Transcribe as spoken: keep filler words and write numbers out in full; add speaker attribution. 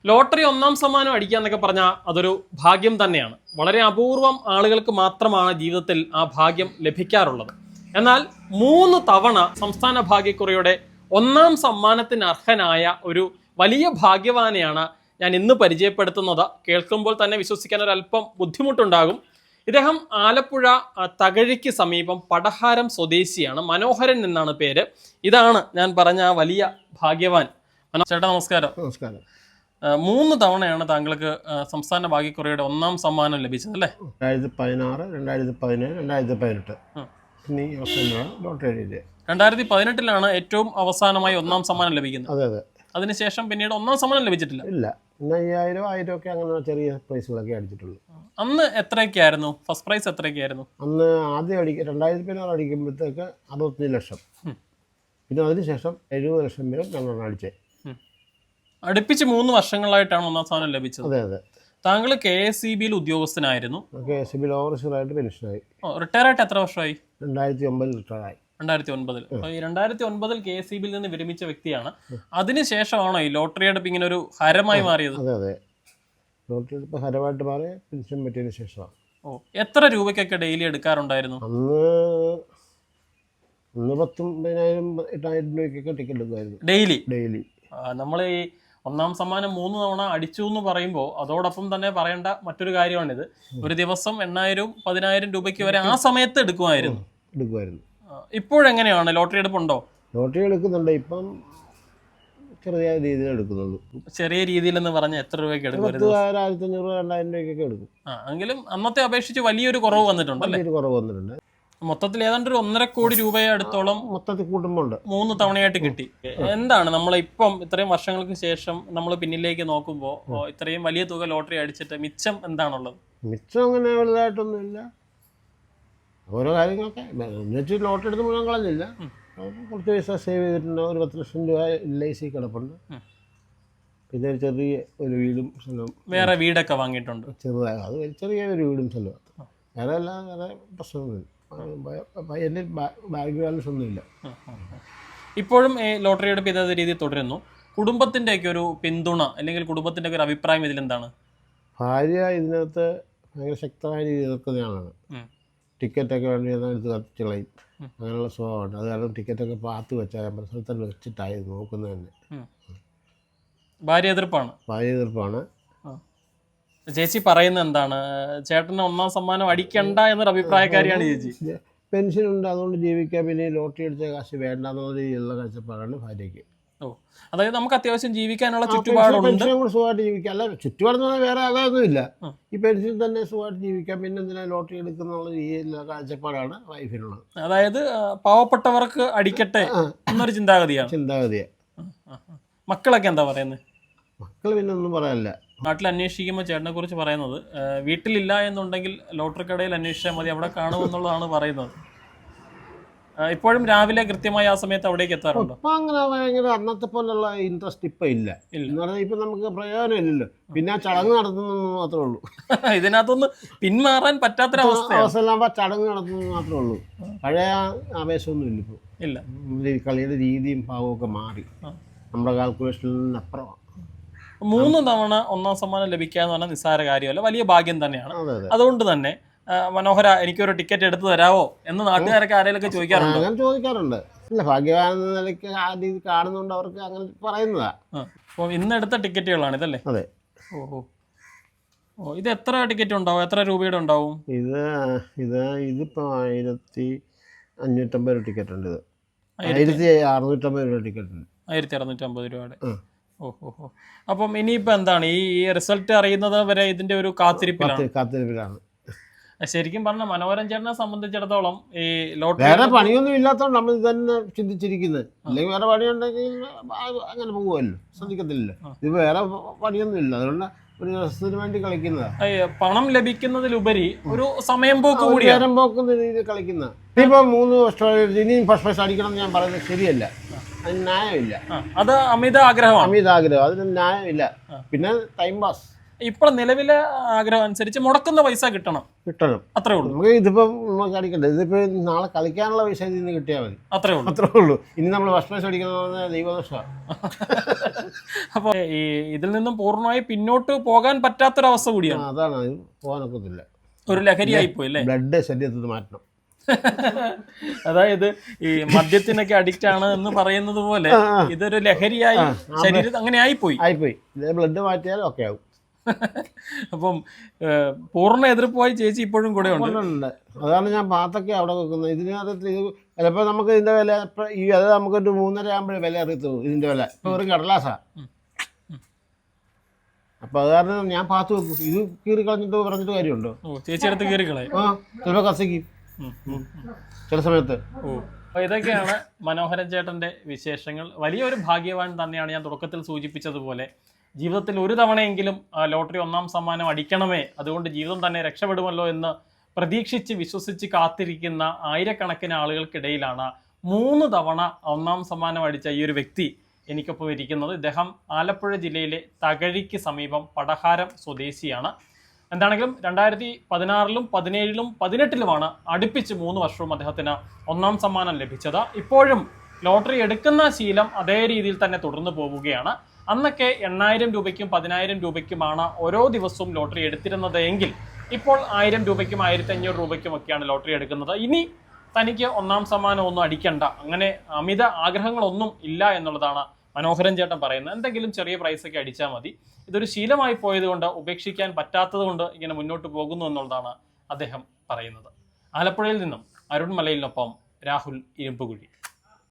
Speaker 1: Lottery ഒന്നാം സമ്മാനം അടിക്കുക എന്നൊക്കെ പറഞ്ഞാൽ അതൊരു ഭാഗ്യം തന്നെയാണ്. വളരെ അപൂർവം ആളുകൾക്ക് മാത്രമാണ് ജീവിതത്തിൽ ആ ഭാഗ്യം ലഭിക്കാറുള്ളത്. എന്നാൽ മൂന്ന് തവണ സംസ്ഥാന ഭാഗ്യക്കുറിയുടെ ഒന്നാം സമ്മാനത്തിന് അർഹനായ ഒരു വലിയ ഭാഗ്യവാനെയാണ് ഞാൻ ഇന്ന് പരിചയപ്പെടുത്തുന്നത്. കേൾക്കുമ്പോൾ തന്നെ വിശ്വസിക്കാൻ ഒരല്പം ബുദ്ധിമുട്ടുണ്ടാകും. ഇദ്ദേഹം ആലപ്പുഴ തകഴിക്ക് സമീപം പടഹാരം സ്വദേശിയാണ്. മനോഹരൻ എന്നാണ് പേര്. ഇതാണ് ഞാൻ പറഞ്ഞ ആ വലിയ ഭാഗ്യവാൻ. ചേട്ടാ നമസ്കാരം.
Speaker 2: നമസ്കാരം.
Speaker 1: മൂന്ന് തവണയാണ് താങ്കൾക്ക് സംസ്ഥാന ഭാഗ്യക്കുറിയുടെ ഒന്നാം സമ്മാനം ലഭിച്ചത് അല്ലേ?
Speaker 2: രണ്ടായിരത്തി പതിനാറ് രണ്ടായിരത്തി പതിനേഴ് രണ്ടായിരത്തി പതിനെട്ട് ഇനി ലോട്ടറി.
Speaker 1: രണ്ടായിരത്തി പതിനെട്ടിലാണ് ഏറ്റവും അവസാനമായി ഒന്നാം സമ്മാനം ലഭിക്കുന്നത്.
Speaker 2: അതെ അതെ.
Speaker 1: അതിനുശേഷം പിന്നീട് ഒന്നാം സമ്മാനം ലഭിച്ചിട്ടില്ല.
Speaker 2: ഇല്ല, പിന്നെ അയ്യായിരം ആയിരം ഒക്കെ അങ്ങനെ ചെറിയ പ്രൈസുകളൊക്കെ അടിച്ചിട്ടുള്ളൂ.
Speaker 1: അന്ന് എത്രയൊക്കെയായിരുന്നു ഫസ്റ്റ് പ്രൈസ്? എത്രയൊക്കെയായിരുന്നു
Speaker 2: അന്ന് ആദ്യം അടിക്കുക രണ്ടായിരത്തി പതിനാറ് അടിക്കുമ്പോഴത്തേക്ക് അറുപത്തഞ്ച് ലക്ഷം, പിന്നെ അതിനുശേഷം എഴുപത് ലക്ഷം വരെ ഞങ്ങളാണ് അടിച്ചത്.
Speaker 1: അടുപ്പിച്ച് മൂന്ന് വർഷങ്ങളായിട്ടാണ് ഒന്നാം സ്ഥാനം ലഭിച്ചത്.
Speaker 2: അതെ അതെ.
Speaker 1: താങ്കൾ കെ എസ് ഇ ബിയിൽ ഉദ്യോഗസ്ഥനായിരുന്നു.
Speaker 2: കെ എസ് ഇ ബിയിൽ ഓവർസീറായിട്ട് പെൻഷനായി.
Speaker 1: റിട്ടയർ ആയിട്ട് എത്ര വർഷമായി?
Speaker 2: രണ്ടായിരത്തി ഒമ്പതിൽ റിട്ടയറായി.
Speaker 1: രണ്ടായിരത്തി ഒൻപതിൽ ഈ രണ്ടായിരത്തി ഒൻപതിൽ കെ എസ് ഇ ബിയിൽ നിന്ന് വിരമിച്ച വ്യക്തിയാണ്. അതിനുശേഷമാണോ ഈ ലോട്ടറി എടുപ്പ് ഇങ്ങനെ ഒരു ഹരമായി മാറിയത്?
Speaker 2: അതെ അതെ. ലോട്ടറി എടുപ്പ് ഹരമായിട്ട് മാറി പെൻഷൻ പറ്റിയതിന് ശേഷമാണ്.
Speaker 1: ഓ, എത്ര രൂപയ്ക്കൊക്കെ ഡെയിലി എടുക്കാറുണ്ടായിരുന്നു?
Speaker 2: അന്ന് അന്ന് പത്തൊമ്പതിനായിരം എട്ടായിരം രൂപയ്ക്കൊക്കെ ടിക്കറ്റ് എടുക്കുമായിരുന്നു
Speaker 1: ഡെയിലി.
Speaker 2: ഡെയിലി
Speaker 1: നമ്മൾ ഈ ഒന്നാം സമ്മാനം മൂന്ന് തവണ അടിച്ചു എന്ന് പറയുമ്പോൾ അതോടൊപ്പം തന്നെ പറയേണ്ട മറ്റൊരു കാര്യമാണിത്. ഒരു ദിവസം എണ്ണായിരവും പതിനായിരം രൂപയ്ക്ക് വരെ ആ സമയത്ത് എടുക്കുമായിരുന്നു
Speaker 2: എടുക്കുമായിരുന്നു
Speaker 1: ഇപ്പോഴെങ്ങനെയാണ്? ലോട്ടറി എടുപ്പുണ്ടോ?
Speaker 2: ലോട്ടറി എടുക്കുന്നുണ്ട്. ഇപ്പം ചെറിയ രീതിയിൽ എടുക്കുന്നുള്ളൂ.
Speaker 1: ചെറിയ രീതിയിൽ എന്ന് പറഞ്ഞാൽ എത്ര രൂപയ്ക്ക് എടുക്കും?
Speaker 2: ആയിരത്തി അഞ്ഞൂറ് രണ്ടായിരം രൂപയ്ക്കൊക്കെ എടുക്കും.
Speaker 1: ആ, എങ്കിലും അന്നത്തെ അപേക്ഷിച്ച് വലിയൊരു കുറവ് വന്നിട്ടുണ്ട് അല്ലേ?
Speaker 2: കുറവ് വന്നിട്ടുണ്ട്.
Speaker 1: മൊത്തത്തിൽ ഏതാണ്ട് ഒരു ഒന്നര കോടി രൂപയെ അടുത്തോളം
Speaker 2: മൊത്തത്തിൽ കൂട്ടുമ്പോണ്ട്
Speaker 1: മൂന്ന് തവണയായിട്ട് കിട്ടി. എന്താണ് നമ്മൾ ഇപ്പം ഇത്രയും വർഷങ്ങൾക്ക് ശേഷം നമ്മൾ പിന്നിലേക്ക് നോക്കുമ്പോൾ ഇത്രയും വലിയ തുക ലോട്ടറി അടിച്ചിട്ട് മിച്ചം എന്താണുള്ളത്?
Speaker 2: മിച്ചം അങ്ങനെ വലുതായിട്ടൊന്നുമില്ല. ഓരോ കാര്യങ്ങളൊക്കെ എന്നുവെച്ച് ലോട്ടറി എടുത്ത് മുഴുവൻ കളഞ്ഞില്ല. കുറച്ച് പൈസ സേവ് ചെയ്തിട്ടുണ്ട്. ഒരു പത്ത് ലക്ഷം രൂപ എൽ ഐ സി കിടപ്പുണ്ട്. പിന്നെ ഒരു ചെറിയ ഒരു വീടും സ്ഥലവും.
Speaker 1: വേറെ വീടൊക്കെ വാങ്ങിയിട്ടുണ്ട്
Speaker 2: ചെറുതായ അത് ചെറിയ ഒരു വീടും സ്ഥലവും. വേറെ എല്ലാം വേറെ പ്രശ്നമൊന്നുമില്ല. എൻ്റെ ബാങ്ക് ബാലൻസ് ഒന്നുമില്ല.
Speaker 1: ഇപ്പോഴും ലോട്ടറി എടുപ്പ് ഇതേ രീതിയിൽ തുടരുന്നു. കുടുംബത്തിൻ്റെ ഒക്കെ ഒരു പിന്തുണ അല്ലെങ്കിൽ കുടുംബത്തിൻ്റെ ഒക്കെ ഒരു അഭിപ്രായം ഇതിലെന്താണ്?
Speaker 2: ഭാര്യ ഇതിനകത്ത് ഭയങ്കര ശക്തമായ രീതിയിൽ എതിർക്കുന്നയാളാണ്. ടിക്കറ്റൊക്കെ വേണ്ടി എടുത്ത് കത്തിച്ച് കളയും. അങ്ങനെയുള്ള സ്വഭാവമുണ്ട്. അത് കാരണം ടിക്കറ്റൊക്കെ പാത്ത് വെച്ചാൽ സ്ഥലത്തന്നെ വെച്ചിട്ടായി നോക്കുന്നത് തന്നെ.
Speaker 1: ഭാര്യ എതിർപ്പാണ്.
Speaker 2: ഭാര്യ എതിർപ്പാണ്.
Speaker 1: ചേച്ചി പറയുന്നത് എന്താണ്? ചേട്ടന് ഒന്നാം സമ്മാനം അടിക്കണ്ട എന്നൊരു അഭിപ്രായക്കാരിയാണ് ചേച്ചി.
Speaker 2: പെൻഷൻ ഉണ്ട്, അതുകൊണ്ട് ജീവിക്കാൻ, പിന്നെ ലോട്ടറി അടിച്ച കാശ് വേണ്ട എന്നുള്ള രീതിയിലുള്ള കാഴ്ചപ്പാടാണ് ഭാര്യയ്ക്ക്.
Speaker 1: ഓ, അതായത് നമുക്ക് അത്യാവശ്യം ജീവിക്കാനുള്ള ചുറ്റുപാടുണ്ട്.
Speaker 2: പെൻഷൻ കൂടെ സുഖമായിട്ട് ജീവിക്കാം. അല്ല, ചുറ്റുപാടെന്ന് പറഞ്ഞാൽ വേറെ അതൊന്നുമില്ല. ഈ പെൻഷൻ തന്നെ സുഖമായിട്ട് ജീവിക്കാം. പിന്നെ എന്തിനാ ലോട്ടറി എടുക്കുന്നുള്ള രീതിയിലുള്ള കാഴ്ചപ്പാടാണ് വൈഫിനുള്ളത്.
Speaker 1: അതായത് പാവപ്പെട്ടവർക്ക് അടിക്കട്ടെ എന്നൊരു ചിന്താഗതിയാണ്.
Speaker 2: ചിന്താഗതിയാണ്.
Speaker 1: മക്കളൊക്കെ എന്താ പറയുന്നത്?
Speaker 2: മക്കൾ പിന്നെ ഒന്നും പറയാനില്ല.
Speaker 1: നാട്ടിൽ അന്വേഷിക്കുമ്പോൾ ചേട്ടനെ കുറിച്ച് പറയുന്നത് വീട്ടിലില്ല എന്നുണ്ടെങ്കിൽ ലോട്ടറി കടയിൽ അന്വേഷിച്ചാൽ മതി, അവിടെ കാണുമെന്നുള്ളതാണ് പറയുന്നത്. ഇപ്പോഴും രാവിലെ കൃത്യമായി ആ സമയത്ത് അവിടേക്ക് എത്താറുണ്ടോ?
Speaker 2: ഇപ്പം അങ്ങനെ ഭയങ്കര അന്നത്തെ പോലുള്ള ഇൻട്രസ്റ്റ് ഇപ്പം ഇല്ല. എന്ന് പറഞ്ഞാൽ ഇപ്പം നമുക്ക് പ്രയോജനം ഇല്ലല്ലോ. പിന്നെ ആ ചടങ്ങ് നടത്തുന്നത് മാത്രമേ ഉള്ളൂ.
Speaker 1: ഇതിനകത്തൊന്ന് പിന്മാറാൻ പറ്റാത്തൊരവസ്ഥ
Speaker 2: അവസ്ഥയിലാകുമ്പോൾ ചടങ്ങ് നടത്തുന്നത് മാത്രമേ ഉള്ളൂ. പഴയ ആവേശമൊന്നും ഇല്ല ഇപ്പോൾ.
Speaker 1: ഇല്ല.
Speaker 2: കളിയുടെ രീതിയും ഭാവവും ഒക്കെ മാറി. നമ്മുടെ കാൽക്കുലേഷനിൽ നിന്ന് അപ്പുറമാണ്.
Speaker 1: മൂന്ന് തവണ ഒന്നാം സമ്മാനം ലഭിക്കുക എന്ന് പറഞ്ഞാൽ നിസ്സാര കാര്യമല്ല, വലിയ ഭാഗ്യം തന്നെയാണ്. അതുകൊണ്ട് തന്നെ മനോഹര, എനിക്കൊരു ടിക്കറ്റ് എടുത്തു തരാവോ എന്ന് നാട്ടുകാരൊക്കെ ആരെയൊക്കെ ചോദിക്കാറുണ്ട്?
Speaker 2: അങ്ങനെ ചോദിക്കാറുണ്ട്. ഇല്ല, ഭാഗ്യവാൻ എന്ന നിലയ്ക്ക് ആ രീതി കാണുന്നതുകൊണ്ട് അവർക്ക് അങ്ങനെ പറയുന്നതാ.
Speaker 1: അപ്പോൾ ഇന്ന് എടുത്ത ടിക്കറ്റുകളാണ് ഇതല്ലേ?
Speaker 2: അതെ.
Speaker 1: ഓഹോ ഓ, ഇത് എത്ര ടിക്കറ്റ് ഉണ്ടാവും? എത്ര രൂപയുടെ ഉണ്ടാവും?
Speaker 2: ഇത് ഇത് ഇതിപ്പോൾ ആയിരത്തി അഞ്ഞൂറ്റമ്പത് രൂപ ടിക്കറ്റ് ഉണ്ട്. ഇത് ആയിരത്തി അറുന്നൂറ്റമ്പത് രൂപ ടിക്കറ്റ് ഉണ്ട്.
Speaker 1: ആയിരത്തി അറുന്നൂറ്റമ്പത് രൂപയുടെ. ഓഹോ ഹോ. അപ്പം ഇനിയിപ്പോൾ എന്താണ് ഈ റിസൾട്ട് അറിയുന്നത് വരെ ഇതിന്റെ ഒരു കാത്തിരിപ്പിലാണ്
Speaker 2: കാത്തിരിപ്പിലാണ്
Speaker 1: ശരിക്കും പറഞ്ഞ മനോഹരൻ ചേട്ടനെ സംബന്ധിച്ചിടത്തോളം ഈ ലോട്ടറി
Speaker 2: വേറെ പണിയൊന്നും ഇല്ലാത്തതുകൊണ്ട് നമ്മൾ ഇത് തന്നെ ചിന്തിച്ചിരിക്കുന്നത്. അല്ലെങ്കിൽ വേറെ പണിയുണ്ടെങ്കിൽ അങ്ങനെ പോകുമല്ലോ, ശ്രദ്ധിക്കത്തില്ലല്ലോ. ഇത് വേറെ പണിയൊന്നും ഇല്ല, അതുകൊണ്ട് ഒരു രസത്തിന് വേണ്ടി കളിക്കുന്നതാണ്.
Speaker 1: പണം ലഭിക്കുന്നതിലുപരി ഒരു സമയം പോക്ക് കൂടി,
Speaker 2: നേരം പോക്കുന്ന രീതിയിൽ കളിക്കുന്ന. ഇനിയിപ്പോ മൂന്ന് വർഷം ഇനിയും ഫസ്റ്റ് പ്രൈസ് അടിക്കണം എന്ന് ഞാൻ പറയുന്നത് ശരിയല്ല. അതിന് ന്യായമില്ല.
Speaker 1: അത് അമിത ആഗ്രഹമാണ്.
Speaker 2: അമിത ആഗ്രഹം, അതിന് ന്യായമില്ല. പിന്നെ ടൈം പാസ്.
Speaker 1: ഇപ്പോൾ നിലവിലെ ആഗ്രഹം അനുസരിച്ച് മുടക്കുന്ന പൈസ കിട്ടണം,
Speaker 2: കിട്ടണം.
Speaker 1: അത്രേ ഉള്ളൂ.
Speaker 2: നമുക്ക് ഇതിപ്പം നമുക്ക് കളിക്കണ്ട, ഇതിപ്പോൾ നാളെ കളിക്കാനുള്ള പൈസ ഇതിൽ നിന്ന് കിട്ടിയാൽ മതി,
Speaker 1: അത്രേ ഉള്ളൂ
Speaker 2: അത്രേ ഉള്ളൂ. ഇനി നമ്മൾ ഫസ്റ്റ് പ്രൈസ് അടിക്കുന്ന ദൈവദോഷമാണ്.
Speaker 1: അപ്പോൾ ഈ ഇതിൽ നിന്നും പൂർണ്ണമായി പിന്നോട്ട് പോകാൻ പറ്റാത്തൊരവസ്ഥ കൂടിയാണ്.
Speaker 2: അതാണ്, അത് പോകാനൊക്കത്തില്ല,
Speaker 1: ഒരു ലഹരിയായി പോയി അല്ലേ?
Speaker 2: ബ്ലഡ് ശരീരത്തിൽ മാറ്റണം.
Speaker 1: അതായത് ഈ മദ്യത്തിനൊക്കെ അഡിക്റ്റ് ആണ് എന്ന് പറയുന്നത് പോലെ ഇതൊരു ലഹരിയായി ശരീരത്തിൽ അങ്ങനെ ആയിപ്പോയി
Speaker 2: ആയിപ്പോയി ബ്ലഡ് മാറ്റിയാൽ ഒക്കെ ആവും.
Speaker 1: അപ്പം പൂർണ്ണ എതിർപ്പായി ചേച്ചി ഇപ്പോഴും കൂടെ ഉണ്ട്.
Speaker 2: അതാണ് ഞാൻ പാത്തൊക്കെ അവിടെ വെക്കുന്നത്. ഇതിനകത്ത് ഇത് ചിലപ്പോൾ നമുക്ക് ഇതിന്റെ വില ഈ അത് നമുക്കൊരു മൂന്നര ആകുമ്പോഴേ വില അറിയത്തുള്ളൂ ഇതിന്റെ വില. ഇപ്പൊ വെറും കടലാസാ. അപ്പൊ അത് കാരണം ഞാൻ പാത്ത് വെക്കും. ഇത് കീറി കളഞ്ഞിട്ട് പറഞ്ഞിട്ട് കാര്യമുണ്ടോ?
Speaker 1: ചേച്ചി അടുത്ത് കീറി കളയും.
Speaker 2: ആ ചിലപ്പോൾ കത്തിക്കും ചില സമയത്ത്.
Speaker 1: ഓ, ഇതൊക്കെയാണ് മനോഹരൻ ചേട്ടന്റെ വിശേഷങ്ങൾ. വലിയൊരു ഭാഗ്യവാൻ തന്നെയാണ്. ഞാൻ തുടക്കത്തിൽ സൂചിപ്പിച്ചതുപോലെ ജീവിതത്തിൽ ഒരു തവണയെങ്കിലും ലോട്ടറി ഒന്നാം സമ്മാനം അടിക്കണമേ, അതുകൊണ്ട് ജീവിതം തന്നെ രക്ഷപ്പെടുമല്ലോ എന്ന് പ്രതീക്ഷിച്ച് വിശ്വസിച്ച് കാത്തിരിക്കുന്ന ആയിരക്കണക്കിന് ആളുകൾക്കിടയിലാണ് മൂന്ന് തവണ ഒന്നാം സമ്മാനം അടിച്ച ഈ ഒരു വ്യക്തി എനിക്കൊപ്പം ഇരിക്കുന്നത്. ഇദ്ദേഹം ആലപ്പുഴ ജില്ലയിലെ തകഴിക്ക് സമീപം പടഹാരം സ്വദേശിയാണ്. എന്താണെങ്കിലും രണ്ടായിരത്തി പതിനാറിലും പതിനേഴിലും പതിനെട്ടിലുമാണ് അടുപ്പിച്ച് മൂന്ന് വർഷവും അദ്ദേഹത്തിന് ഒന്നാം സമ്മാനം ലഭിച്ചത്. ഇപ്പോഴും ലോട്ടറി എടുക്കുന്ന ശീലം അതേ രീതിയിൽ തന്നെ തുടർന്നു പോവുകയാണ്. അന്നൊക്കെ എണ്ണായിരം രൂപയ്ക്കും പതിനായിരം രൂപയ്ക്കുമാണ് ഓരോ ദിവസവും ലോട്ടറി എടുത്തിരുന്നത് എങ്കിൽ ഇപ്പോൾ ആയിരം രൂപയ്ക്കും ആയിരത്തി അഞ്ഞൂറ് രൂപയ്ക്കും ഒക്കെയാണ് ലോട്ടറി എടുക്കുന്നത്. ഇനി തനിക്ക് ഒന്നാം സമ്മാനം ഒന്നും അടിക്കണ്ട, അങ്ങനെ അമിത ആഗ്രഹങ്ങളൊന്നും ഇല്ല എന്നുള്ളതാണ് മനോഹരൻ ചേട്ടൻ പറയുന്നത്. എന്തെങ്കിലും ചെറിയ പ്രൈസൊക്കെ അടിച്ചാൽ മതി. ഇതൊരു ശീലമായി പോയതുകൊണ്ട് ഉപേക്ഷിക്കാൻ പറ്റാത്തത് കൊണ്ട് ഇങ്ങനെ മുന്നോട്ട് പോകുന്നു എന്നുള്ളതാണ് അദ്ദേഹം പറയുന്നത്. ആലപ്പുഴയിൽ നിന്നും അരുൺ മലയിലിനൊപ്പം രാഹുൽ ഇരുമ്പുകുഴി.